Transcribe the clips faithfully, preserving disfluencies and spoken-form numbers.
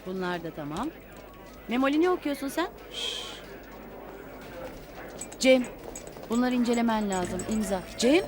Bunlar da tamam. Memoli ne okuyorsun sen? Cem, bunları incelemen lazım. İmza. Cem?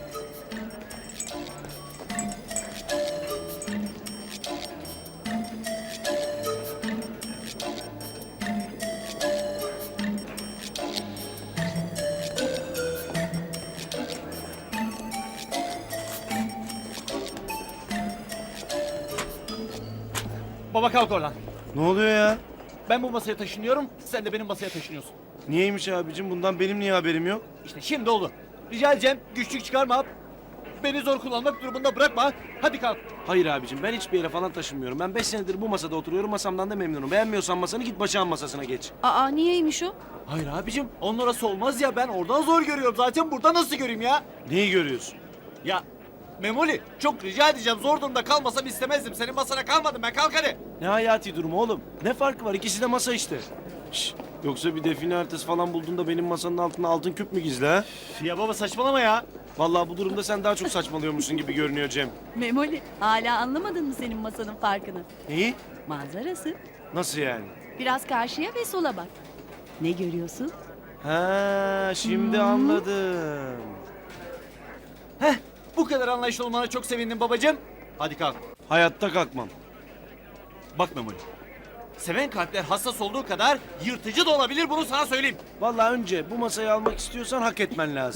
Baba kalk oradan. Ne oluyor ya? Ben bu masaya taşınıyorum, sen de benim masaya taşınıyorsun. Niyeymiş abicim? Bundan benim niye haberim yok? İşte şimdi oldu. Rica edeceğim, güçlük çıkarma. Beni zor kullanmak durumunda bırakma. Hadi kalk. Hayır abicim, ben hiçbir yere falan taşınmıyorum. Ben beş senedir bu masada oturuyorum, masamdan da memnunum. Beğenmiyorsan masanı git Başak'ın masasına geç. Aa, niyeymiş o? Hayır abicim, onun orası olmaz ya. Ben oradan zor görüyorum zaten. Burada nasıl göreyim ya? Neyi görüyorsun? Ya Memoli, çok rica edeceğim. Zor durumda kalmasam istemezdim. Senin masana kalmadım ben. Kalk hadi. Ne hayati durumu oğlum? Ne farkı var? İkisi de masa işte. Şş, yoksa bir define haritası falan bulduğunda benim masanın altında altın küp mü gizli ha? Ya baba saçmalama ya. Vallahi bu durumda sen daha çok saçmalıyormuşsun gibi görünüyor Cem. Memoli, hala anlamadın mı senin masanın farkını? Neyi? Manzarası. Nasıl yani? Biraz karşıya ve sola bak. Ne görüyorsun? Ha, şimdi anladım. Heh, bu kadar anlayışlı olmana çok sevindim babacığım. Hadi kalk. Hayatta kalkmam. Bak Memoli. Seven kalpler hassas olduğu kadar yırtıcı da olabilir, bunu sana söyleyeyim. Vallahi önce bu masayı almak istiyorsan hak etmen lazım.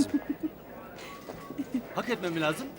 Hak etmem mi lazım?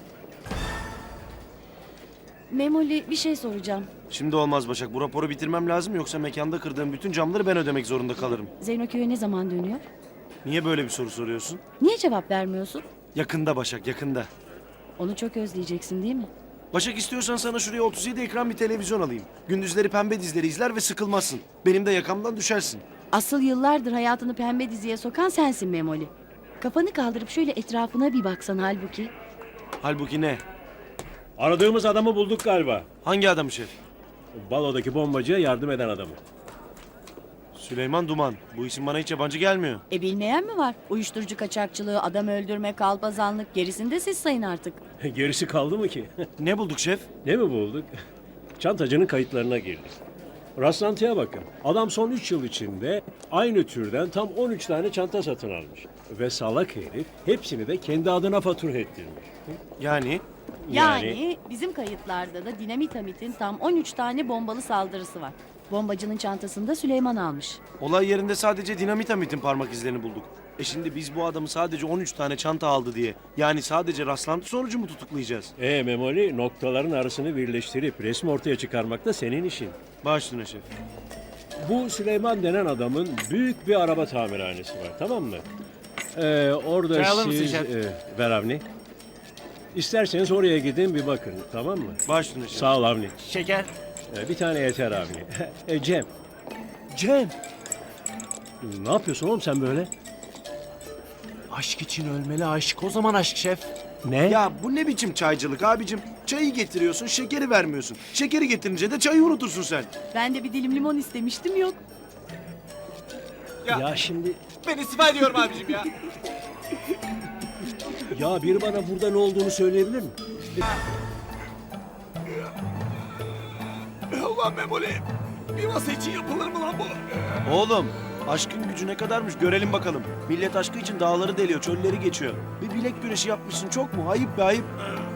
Memoli, bir şey soracağım. Şimdi olmaz Başak. Bu raporu bitirmem lazım yoksa mekanda kırdığım bütün camları ben ödemek zorunda kalırım. Zeyno köye ne zaman dönüyor? Niye böyle bir soru soruyorsun? Niye cevap vermiyorsun? Yakında Başak, yakında. Onu çok özleyeceksin değil mi? Başak istiyorsan sana şuraya otuz yedi ekran bir televizyon alayım. Gündüzleri pembe dizileri izler ve sıkılmazsın. Benim de yakamdan düşersin. Asıl yıllardır hayatını pembe diziye sokan sensin Memoli. Kafanı kaldırıp şöyle etrafına bir baksan halbuki. Halbuki ne? Aradığımız adamı bulduk galiba. Hangi adam şef? Balodaki bombacıya yardım eden adamı. Süleyman Duman. Bu isim bana hiç yabancı gelmiyor. E bilmeyen mi var? Uyuşturucu kaçakçılığı, adam öldürme, kalpazanlık gerisini de siz sayın artık. Gerisi kaldı mı ki? Ne bulduk şef? Ne mi bulduk? Çantacının kayıtlarına girdik. Rastlantıya bakın. Adam son üç yıl içinde aynı türden tam on üç tane çanta satın almış. Ve salak herif hepsini de kendi adına fatura ettirmiş. Yani? Yani, bizim kayıtlarda da Dinamitamit'in tam on üç tane bombalı saldırısı var. Bombacının çantasında Süleyman almış. Olay yerinde sadece dinamit parmak izlerini bulduk. E şimdi biz bu adamı sadece on üç tane çanta aldı diye, yani sadece rastlantı sonucu mu tutuklayacağız? E Memoli, noktaların arasını birleştirip resmi ortaya çıkarmak da senin işin. Baş üstüne şef. Bu Süleyman denen adamın büyük bir araba tamirhanesi var, tamam mı? Ee, orada Çay alır mısın siz... şef? E, ver Avni. İsterseniz oraya gidin bir bakın, tamam mı? Baş üstüne şef. Sağ ol Avni. Şeker. Ee, bir tane yeter Avni. e, Cem, Cem. ne yapıyorsun oğlum sen böyle? Aşk için ölmeli aşk. O zaman aşk şef. Ne? Ya bu ne biçim çaycılık abicim? Çayı getiriyorsun, şekeri vermiyorsun. Şekeri getirince de çayı unutursun sen. Ben de bir dilim limon istemiştim, yok. Ya, Ya şimdi... ben istifa ediyorum abicim ya. Ya biri bana burada ne olduğunu söyleyebilir mi? Ulan Memoli. Bir masa için yapılır mı lan bu? Oğlum, aşkın gücü ne kadarmış görelim bakalım. Millet aşkı için dağları deliyor, çölleri geçiyor. Bir bilek güreşi yapmışsın, çok mu? Ayıp be ayıp.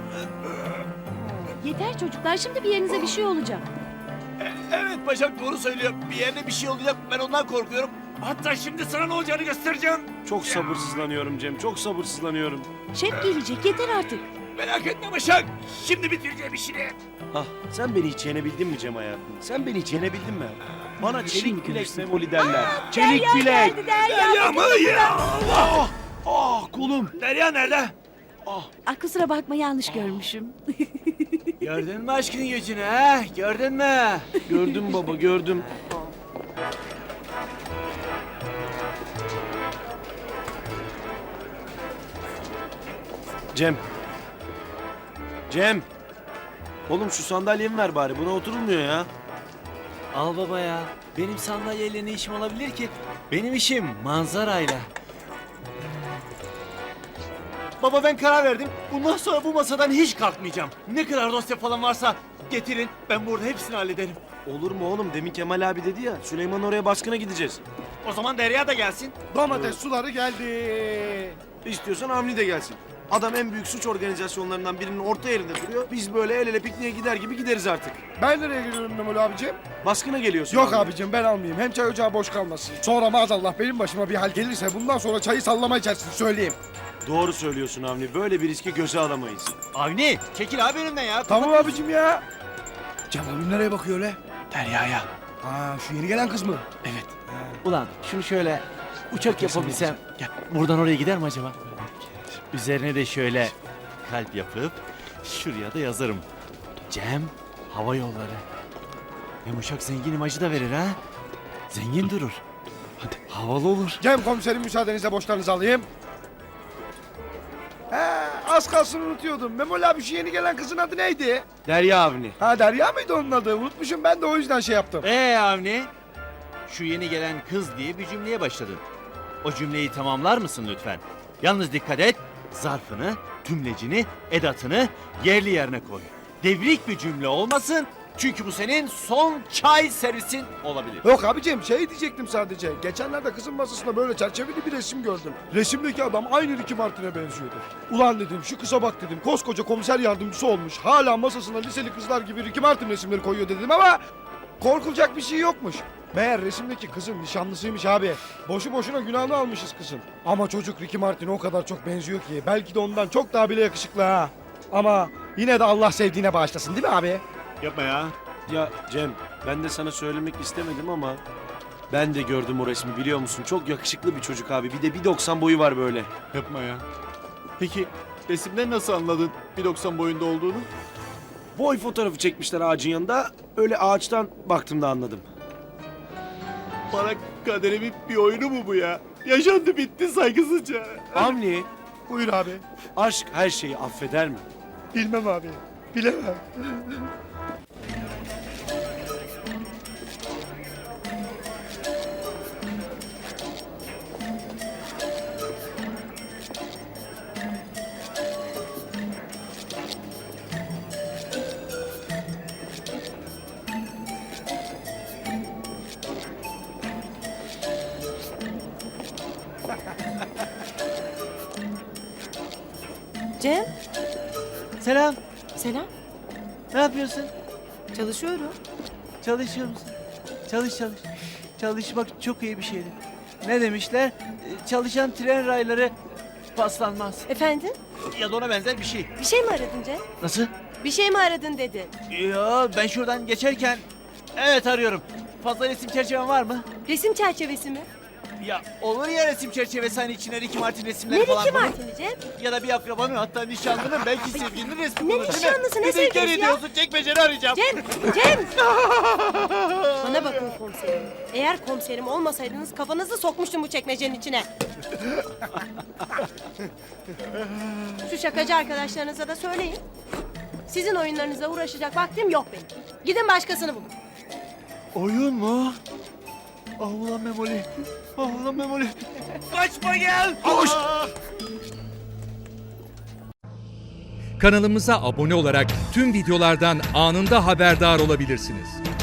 Yeter çocuklar, şimdi bir yerinize bir şey olacak. Evet Başak doğru söylüyor. Bir yerde bir şey olacak. Ben ondan korkuyorum. Hatta şimdi sana ne olacağını göstereceğim. Çok sabırsızlanıyorum Cem, çok sabırsızlanıyorum. Şef gelecek, yeter artık. Merak etme Başak. Şimdi bitireceğim işini. Ah, sen beni hiç yenebildin mi Cem hayatım? Sen beni hiç yenebildin mi? Bana çelik Şimdi bilek görürsün. memoli derler. Çelik Derya bilek. geldi, Derya. Derya mı ya? Ah, ah kolum. Derya nerede? Ah, Ah, kusura bakma, yanlış görmüşüm. Gördün mü aşkın gücünü ha? Gördün mü? gördüm baba, gördüm. Cem. Cem. Oğlum şu sandalyemi ver bari. Buna oturulmuyor ya. Al baba ya. Benim sandalyeyle ne işim olabilir ki? Benim işim manzarayla. Baba ben karar verdim. Bundan sonra bu masadan hiç kalkmayacağım. Ne kadar dosya falan varsa getirin. Ben burada hepsini hallederim. Olur mu oğlum? Demin Kemal abi dedi ya. Süleyman oraya baskına gideceğiz. O zaman Derya da gelsin. Domates suları geldi. İstiyorsan Avni de gelsin. Adam en büyük suç organizasyonlarından birinin orta yerinde duruyor. Biz böyle el ele pikniğe gider gibi gideriz artık. Ben nereye gidiyorum Memoli abicim? Baskına geliyorsun. Yok abicim ben almayayım. Hem çay ocağı boş kalmasın. Sonra maazallah benim başıma bir hal gelirse bundan sonra çayı sallama içersin söyleyeyim. Doğru söylüyorsun Avni. Böyle bir riski göze alamayız. Avni çekil abi önümden ya. Tamam abicim ya. Cem abim nereye bakıyor öyle? Derya'ya. Ha şu yeni gelen kız mı? Evet. Ulan şunu şöyle uçak yapabilsem. Gel. Buradan oraya gider mi acaba? Üzerine de şöyle kalp yapıp şuraya da yazarım. Cem Hava Yolları. Hem uçak zengin imajı da verir ha. Zengin durur. Hadi. Havalı olur. Cem komiserim müsaadenizle boşlarınızı alayım. He, az kalsın unutuyordum. Memoli abi şu yeni gelen kızın adı neydi? Derya Avni. Ha Derya mıydı onun adı? Unutmuşum ben de o yüzden şey yaptım. Ee Avni? Şu yeni gelen kız diye bir cümleye başladın. O cümleyi tamamlar mısın lütfen? Yalnız dikkat et. Zarfını, tümlecini, edatını yerli yerine koy. Devrik bir cümle olmasın. Çünkü bu senin son çay servisin olabilir. Yok abicim şey diyecektim sadece. Geçenlerde kızın masasında böyle çerçeveli bir resim gördüm. Resimdeki adam aynı Ricky Martin'e benziyordu. Ulan dedim şu kıza bak dedim. Koskoca komiser yardımcısı olmuş. Hala masasına liseli kızlar gibi Ricky Martin resimleri koyuyor dedim ama korkulacak bir şey yokmuş. Meğer resimdeki kızın nişanlısıymış abi. Boşu boşuna günahını almışız kızın. Ama çocuk Ricky Martin'e o kadar çok benziyor ki. Belki de ondan çok daha bile yakışıklı ha. Ama yine de Allah sevdiğine bağışlasın değil mi abi? Yapma ya. Ya Cem, ben de sana söylemek istemedim ama ben de gördüm o resmi biliyor musun? Çok yakışıklı bir çocuk abi. Bir de bir doksan boyu var böyle. Yapma ya. Peki resimden nasıl anladın bir doksan boyunda olduğunu? Boy fotoğrafı çekmişler ağacın yanında. Öyle ağaçtan baktım da anladım. Bana kaderimin bir oyunu mu bu ya? Yaşandı bitti saygısızca. Avni, Buyur abi. aşk her şeyi affeder mi? Bilmem abi. Bilemem. Cem, Selam. selam. Ne yapıyorsun? Çalışıyorum. Çalışıyor musun? Çalış çalış. Çalışmak çok iyi bir şeydir. Ne demişler? Ee, Çalışan tren rayları paslanmaz. Efendim? Ya da ona benzer bir şey. Bir şey mi aradın Cem? Nasıl? Bir şey mi aradın dedi. Ya ben şuradan geçerken evet arıyorum. Fazla resim çerçeven var mı? Resim çerçevesi mi? Ya olur ya resim çerçevesi hani içine Ricky Martin resimleri Ne falan Ricky konur. Martin'i Cem? Ya da bir akrabanın hatta nişanlının belki sevgilinin resmi Ne konur değil mi? nişanlısı, ne Bir de inkar sevgilisi ya? ediyorsun çekmeceni arayacağım. Cem, Cem! Bana bakın komiserim. Eğer komiserim olmasaydınız kafanızı sokmuştum bu çekmecenin içine. Şu şakacı arkadaşlarınıza da söyleyin. Sizin oyunlarınıza uğraşacak vaktim yok benim. Gidin başkasını bulun. Oyun mu? Ah ulan Memoli. Ah ulan Memoli. Kaçma gel. Koş! Kanalımıza abone olarak tüm videolardan anında haberdar olabilirsiniz.